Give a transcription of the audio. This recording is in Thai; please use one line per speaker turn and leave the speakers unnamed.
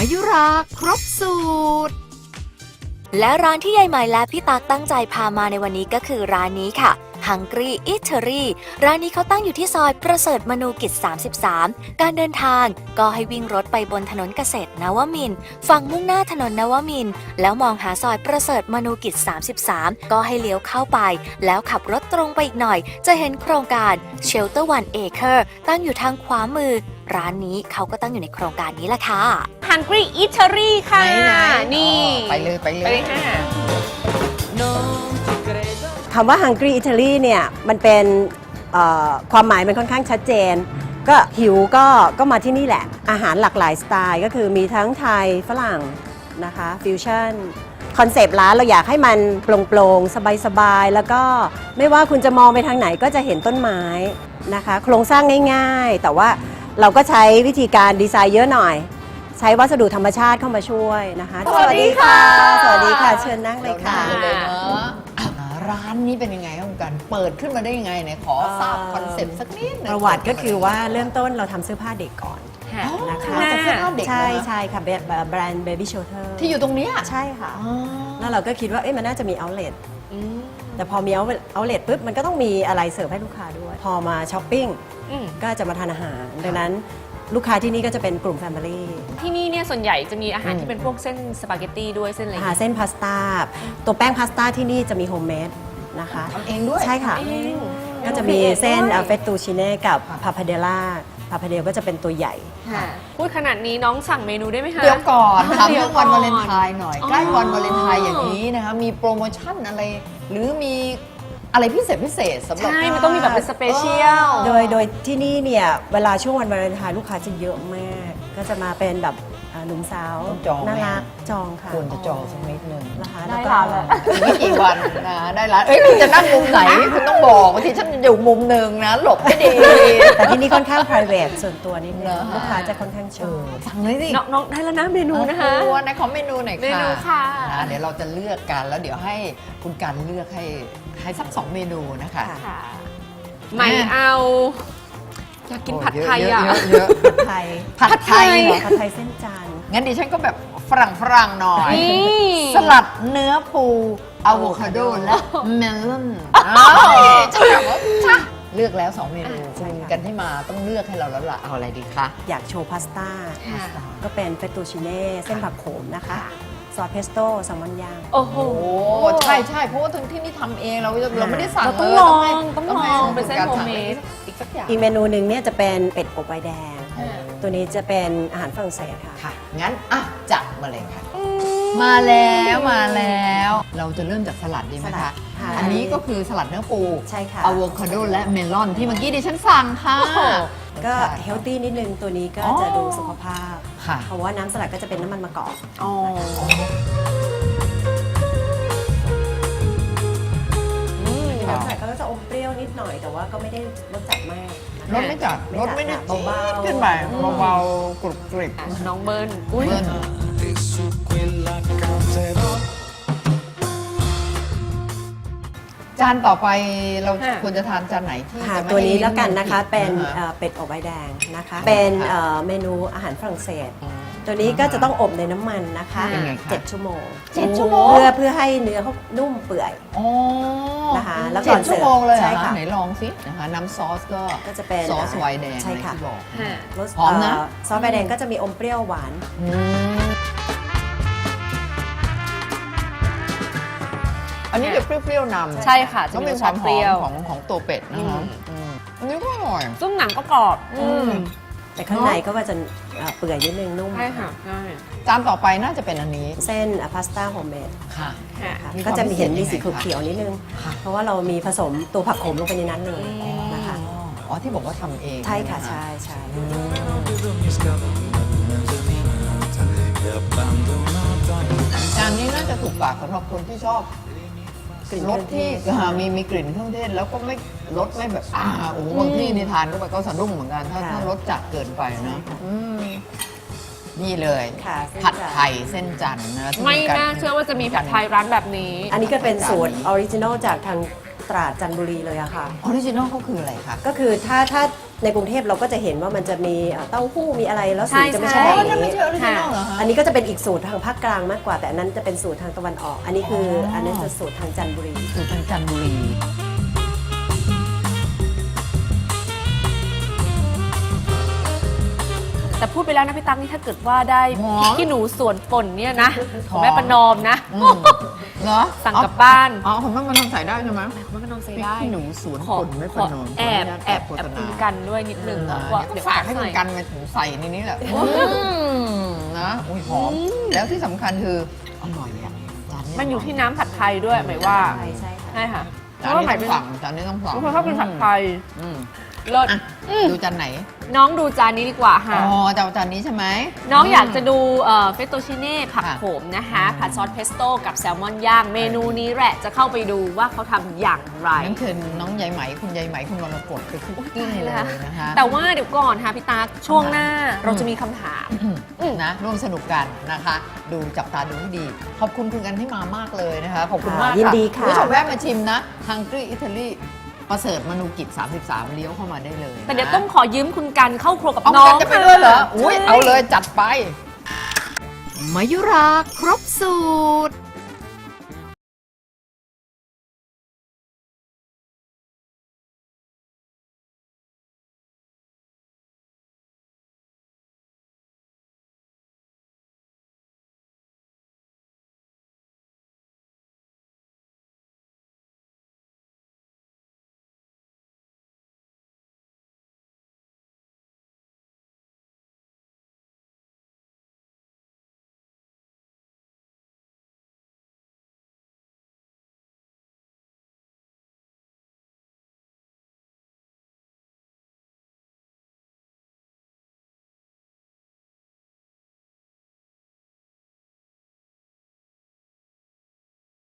มายุราครบสูตร
และร้านที่ยายใหม่และพี่ตั๊กตั้งใจพามาในวันนี้ก็คือร้านนี้ค่ะ Hungry Eatery ร้านนี้เขาตั้งอยู่ที่ซอยประเสริฐมนูกิจ 33 การเดินทางก็ให้วิ่งรถไปบนถนนเกษตรนวมินทร์ฝั่งมุ่งหน้าถนนนวมินทร์แล้วมองหาซอยประเสริฐมนูกิจ 33 ก็ให้เลี้ยวเข้าไปแล้วขับรถตรงไปอีกหน่อยจะเห็นโครงการ Shelter One Acre ตั้งอยู่ทางขวามือร้านนี้เขาก็ตั้งอยู่ในโครงการนี้แหละค่ะ
Hungry Eatery ค่ะ
ไหน
นี่
ไปเลยไปเลย
ไปเลยค่ะ
คำว่า Hungry Italy เนี่ยมันเป็นความหมายมันค่อนข้างชัดเจน ก็หิวก็มาที่นี่แหละ อาหารหลากหลายสไตล์ก็คือมีทั้งไทยฝรั่งนะคะฟิวชั่นคอนเซปต์ร้านเราอยากให้มันโปร่งๆ สบายๆ แล้วก็ไม่ว่าคุณจะมองไปทางไหนก็จะเห็นต้นไม้นะคะโครงสร้างง่ายๆ แต่ว่าเราก็ใช้วิธีการดีไซน์เยอะหน่อย ใช้วัสดุธรรมชาติเข้ามาช่วยนะคะ
สวัสดีค่ะ
สวัสดีค่ะเชิญนั่งเลยค่ะ
เราเลยเนาะร้านนี้เป็นยังไงครับคุณกันเปิดขึ้นมาได้ยังไงเนี่ยขอทราบคอนเซ็ปต์สักนิดหนึง
ประวัติก็คือว่าเริ่มต้นเราทำเสื้อผ้าเด็กก่อน
ค่ะ
นะคะ
มาจากเสื้อผ้าเด็ก
ใช่
เหรอ
ใช่ค่ะแบรนด์ Baby Shelter
ที่อยู่ตรงเนี้ย
ใช่ค่ะ
อ๋อ
แล้วเราก็คิดว่ามันน่าจะมี outlet แต่พอมี outlet ปุ๊บมันก็ต้องมีอะไรเสิร์ฟให้ลูกค้าด้วย พอมาช้อปปิ้ง
อืม
ก็จะมาทานอาหาร ดังนั้นลูกค้าที่นี่ก็จะเป็นกลุ่ม Family
ที่นี่เนี่ยส่วนใหญ่จะมีอาหารที่เป็นพวกเส้นสปาเกตตี้ด้วยเส้นอะไรอย่าง
หา
เงี้ย
เส้นพาสต้าตัวแป้งพาสต้าที่นี่จะมีโฮมเมดนะคะ
ทำเองด้วย
ใช่ค่ะ
เอง
ก็จะมีเส้น
ด้วย
เฟตตูชิเน่กับพาพาเดล่าพาพาเดลก็จะเป็นตัวใหญ่
ค่ะพูดขนาดนี้น้องสั่งเมนูได้ไหมคะ
เดี๋ยวก่อนถาม
เดี๋
เรื่
ย
อ
ว
ง
ก่
วั
อน
นวาเลนไทน์หน่อย
อ๋อ
ใกล้วันวาเลนไทน์อย่างนี้นะคะมีโปรโมชั่นอะไร หรือมีอะไรพิเศษสำหรับ
ใช่มันต้องมีแบบเป็นสเปเชียล
โดยที่นี่เนี่ยเวลาช่วงวันวาเลนไทน์ลูกค้าจะเยอะมาก ก็จะมาเป็นแบบหนุ่มสาว
ต้องจองไหม
น่ารักจองค่ะ
ควรจะจองสักนิดนึง
นะคะ
ได้
แล้วก็
ร้านแล้ว
ไม่กี่วันนะได้ร้านคุณจะนั่งมุมไหนคุณต้องบอกบางทีฉันอยู่มุมหนึ่งนะหลบไม่ดี
แต่ที่นี่ค่อนข้าง private ส่วนตัวนิดนึ
เหรง อ
ลูกค้าจะค่อนข้างชอบ
สั่งเลยสิ
น้องได้แล้วนะเมนูนะคะ
ในขอเมนูหน่อยค่ะ
เมนูค่ะ
เดี๋ยวเราจะเลือกกันแล้วเดี๋ยวให้คุณกันเลือกให้สัก2 เมนูนะคะ
ค่ะ
ค่ะไม่เอาอยากกินผัดไทยอ่ะ
เยอะ
ผัดไทย
ผัดไทยเหรอ
ผัดไทยเส้นจันทร์
งั้นดิฉันก็แบบฝรั่งหน่อย
นี่
สลัดเนื้อปูอะโวคาโดและเมลอนจะแบบว่าจ้ะเลือกแล้ว 2 เมนู
ใช่ค่ะ
กันที่มาต้องเลือกให้เราแล้วล่ะเอาอะไรดีคะ
อยากโชว์พาสต้า
ค่ะ
ก็เป็นเฟตตูชิเน่เส้นผักโขมนะคะ ซอสเพสโต้แซลมอนย่าง
โอ้โห
โอ้ใช่เพราะว่าที่นี่ทำเองเราไม่ได้สั่ง
เราต้อง
เลย
ลอง
ให้
ต้องลอง
ให้
เป็นเส้น
การ
โฮม
สั่ง
เมด
อีกสักอย่าง
อีกเมนูหนึ่งเนี่ยจะเป็นเป็ดอบไวน์แดง
อ๋อ
ตัวนี้จะเป็นอาหารฝรั่งเศสค่ะ
ค่ะ งั้นจัดมาเลยค่ะ มาแล้วเราจะเริ่มจากสลัดดีไหม
สลั
คะ
ดค่ะ
อันนี้ก็คือสลัดเนื้อปู
ใช่ค่ะ
อะโวคาโดและเมลอนที่เมื่อกี้ดิฉันสั่งค่ะ
ก็เฮลตี้นิดนึงตัวนี้ก็
อ๋อ
จะดูสุขภาพ
ค่ะ
เพราะว่าน้ำสลัดก็จะเป็นน้ำมันมะกอก
อ๋อ
น้ำสลัดก็จะอมเปรี้ยวนิดหน่อยแต่ว่าก็ไม่ได้รสจัดมาก
รสไม่จัดรสไม่ได้
เบาๆ
ขึ้นไปเบาๆกรุบกริบ
น้องเบิร์นอุ้ย
เบิ้ล
e su quella canterò.
จานต่อไปเราควรจะทานจานไหนที่
ค่ะ
จะไม่
ตัวนี้
ให้
แล้วกันนะคะ เป็น
อ่า
เป็ดอบใบแดงนะคะ เป็นเมนูอาหารฝรั่งเศส ตัวนี้ก็จะต้องอบในน้ำมันนะคะ
เป็นไงคะ
7 ชั่วโมง
7 ชั่วโมง
เพื่อให้เนื้อเขานุ่มเปื่อย
อ๋อ
นะคะแล้วก่
เจ็
อ
ด
นเสิร์ฟ
ชั่วโมงเลยเหร
ใช่
อ
ค่ะ
ไหนลองสินะคะน้ำซอสก็
ก็จะเป็น
ซอสไวน์แดง
ใช่ค่ะ
ที่บอก
ค่ะ
รส
หอมนะ
ซอสใบแดงก็จะมีอมเปรี้ยวหวาน
อืมอันนี้จะเปรี้ยวๆนำ
ใช่ค่ะจะ
ต้อง
มี
มี
รส
ควา
ชาม ติ
ห
เป
อ
รี้ยว
มของตัวเป็ดนะคะอันนี้ก็อร่อย
ซุ้มหนังก็กรอบ
แต่ข้างในก็ว่าจะเปื่อยนิดนึงนุ่ม
ใช่ค่ะใช่
จานต่อไปน่าจะเป็นอันนี้
เส้นพาสต้าโฮมเมด
ค่ะ
ค่ะ
มีความ
ก็จะมีเห็น
พิ
มี
เศษ
สี
ยังไงคะ
เขียวๆนิดนึง
ค่ะ
เพราะว่าเรามีผสมตัวผักโขมลงไปในนั้นเลยนะคะ
อ๋อที่บอกว่าทำเอง
ใช่ค่ะ
ไหม
ใช่ใช่
Vedo mi scatolina mezzaninata e abbandonata.
จานนี้น่าจะถูกปากสำหรับคนที่ชอบ
กลิ่น
รสที่มีกลิ่นเครื่องเทศแล้วก็ไม่รสไม่แบบโอ้โหบางที่นี่ทานเข้าไปก็สะดุ้งเหมือนกันถ้ารสจัดเกินไปนะนี่เลย
ค่ะ
ผัดไทยเส้นจันทร์นะที่
ไม่
กั
น่าเชื่อว่าจะมีผัดไทยร้านแบบนี้
อันนี้ก็เป็นสูตรออริจินอลจากทางตราดจันทบุรีเลยอะค่ะ
ออริจินอลเขาคืออะไรคะ
ก็คือถ้าในกรุงเทพเราก็จะเห็นว่ามันจะมีเต้าหู้มีอะไรแล้วสีจะไม่
ใช่
ใช่
อ๋อ
แบบ
นั่นไม่
นี้
ใช่ออริจินอลเหรอคะ
อันนี้ก็จะเป็นอีกสูตรทางภาคกลางมากกว่า แต่อันนั้นจะเป็นสูตรทางตะวันออก อันนี้คืออันนั้นจะสูตรทางจันทบุรี
สูตรทางจันทบุรี
แต่พูดไปแล้วนะพี่ตั๊กนี่ถ้าเกิดว่าได้
หรอ
ขี้หนูสวนป่นเนี่ยนะของแม่ประนอมนะ
อืมเหรอ
สั่งกลับบ้าน
อ๋อผมว่ามันทำใส่ได้ใช่ไหม
แม่ประนอมใส่
พริก
ได้
ขี้หนูสวน
ขอ
ป่นไม่
ข
ป
อ
ระนอม
แอบ
ขออนุญาต
แอบ
โฆ
แอบ
ษณา
คุณกันด้วยนิดนึง
นะ
ว่า
เดี๋ยวฝากให้คุณกันมาถึงใส่ในนี้แหละนะอุ้ยหอม แล้วที่สำคัญคืออร่อยอ่ะจานนี้
มันอยู่ที่น้ำผัดไทยด้วยหมายว่า
ใช่ค่ะ
ใช่ค่ะเพ
จาน
ราะว่า
นี้
หมาย
ต้
เป็
อน งสั่งจานนี้ต้องสั่ง
ทุกคนชอบกินผัดไทย
อืม
เลิศ
อ่ะดูจานไหน
น้องดูจานนี้ดีกว่าค่ะ
อ๋อจะเอาจานนี้ใช่ไหม
น้องอยากจะดูเฟตโตชิเน่ผัก
ค่ะ
โขมนะคะผัดซอสเพสโต้กับแซลมอนย่าง เมนูนี้แหละจะเข้าไปดูว่าเขาทำอย่างไร
นั่นคือน้องใยไหมคุณใยไหมคุณวรกฎไปคุกกิ้งเลยนะคะ
แต่ว่าเดี๋ยวก่อนค่ะพี่ตาช่วงหน้าเราจะมีคำถาม
นะร่วมสนุกกันนะคะ ดูจับตาดูให้ดี ขอบคุณคุณกันที่มามากเลยนะคะ ขอบคุณมาก
ยินดีค่ะ
ณผู้ชมแวะมาชิมนะ Hungry Italy ประเสริฐมนูกิจ 33 เลี้ยวเข้ามาได้เลยนะ
แต่เดี๋ยวต้องขอยืมคุณกันเข้าครัวกับ
เอา
น้อ
กั
ง
นจะไปด้วยเหรอ อุ้ย
ใช่
เอาเลยจัดไป
มายุราครบสูตร